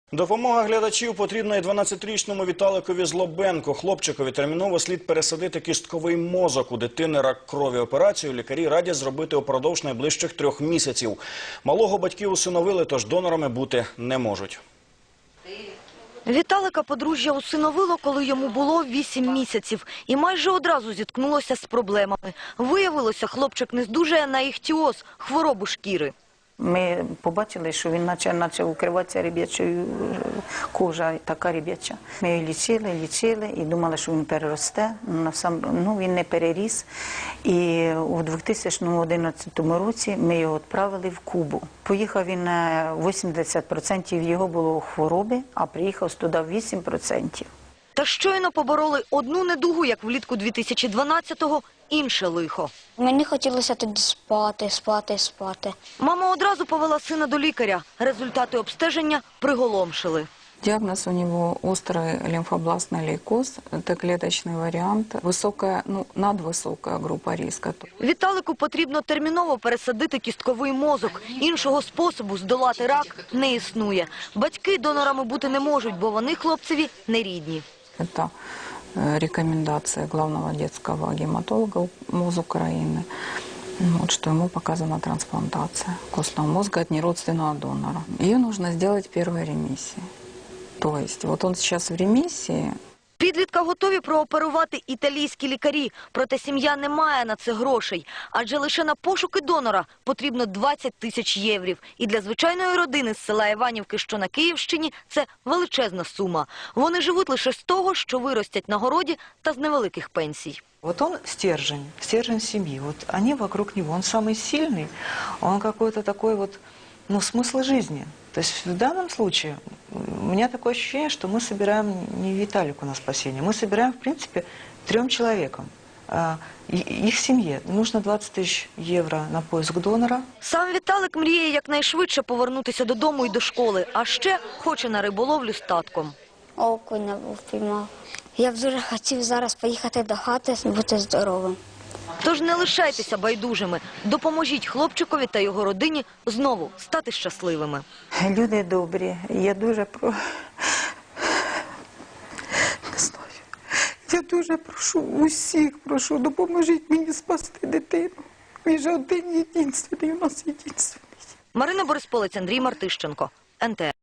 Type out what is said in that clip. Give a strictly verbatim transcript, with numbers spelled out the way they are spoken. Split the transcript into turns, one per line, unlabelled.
Допомога глядачів потрібна і дванадцятирічному Віталикові Злобенку. Хлопчикові терміново слід пересадити кістковий мозок. У дитини рак крові. Операцію лікарі радять зробити упродовж найближчих трьох місяців. Малого батьки усиновили, тож донорами бути не можуть.
Віталика подружжя усиновило, коли йому було вісім місяців. І майже одразу зіткнулося з проблемами. Виявилося, хлопчик не здужає на іхтіоз – хворобу шкіри.
Ми побачили, що він почав, почав укриватися ряб'ячою, кожа така ряб'яча. Ми його лічили, лічили і думали, що він переросте. Ну, він не переріс. І у дві тисячі одинадцятому році ми його відправили в Кубу. Поїхав він на вісімдесят відсотків його було хвороби, а приїхав туди вісім відсотків.
Та щойно побороли одну недугу, як влітку дві тисячі дванадцятого, інше лихо.
Мені хотілося тоді спати, спати, спати.
Мама одразу повела сина до лікаря. Результати обстеження приголомшили.
Диагноз у него острый лимфобластный лейкоз, это клеточный вариант, высокая, ну, надвысокая группа риска.
Віталику потрібно терміново пересадити кістковий мозок. Іншого способу здолати рак не існує. Батьки донорами бути не можуть, бо вони хлопцеві не рідні.
Это рекомендация главного детского гематолога МОЗ Украины, вот, что ему показана трансплантация костного мозга от неродственного донора. Ее нужно сделать в первой ремиссии. То есть вот он сейчас в ремиссии.
Підлітка готові прооперувати італійські лікарі, проте сім'я не має на це грошей. Адже лише на пошуки донора потрібно двадцять тисяч єврів. І для звичайної родини з села Іванівки, що на Київщині, це величезна сума. Вони живуть лише з того, що виростять на городі та з невеликих пенсій.
Вот он стержень, стержень семьи. Вот они вокруг него. Он самый сильный, он какой-то такой вот, ну, смысл жизни. То есть в данном случае у меня такое ощущение, что мы собираем не Виталику на спасение, мы собираем, в принципе, трем человекам. Их семье нужно двадцять тисяч євро на поиск донора.
Сам Віталик мріє якнайшвидше повернутися додому і до школи, а ще хоче на риболовлю з татком.
Окуня впіймав. Я б дуже хотів зараз поїхати до хати, бути здоровим.
Тож не лишайтеся байдужими. Допоможіть хлопчикові та його родині знову стати щасливими.
Люди добрі, я дуже про... не знаю. Я дуже прошу усіх, прошу, допоможіть мені спасти дитину. Він же один єдинственний, у нас єдинственний.
Марина Борисполець, Андрій Мартищенко, ен те ер.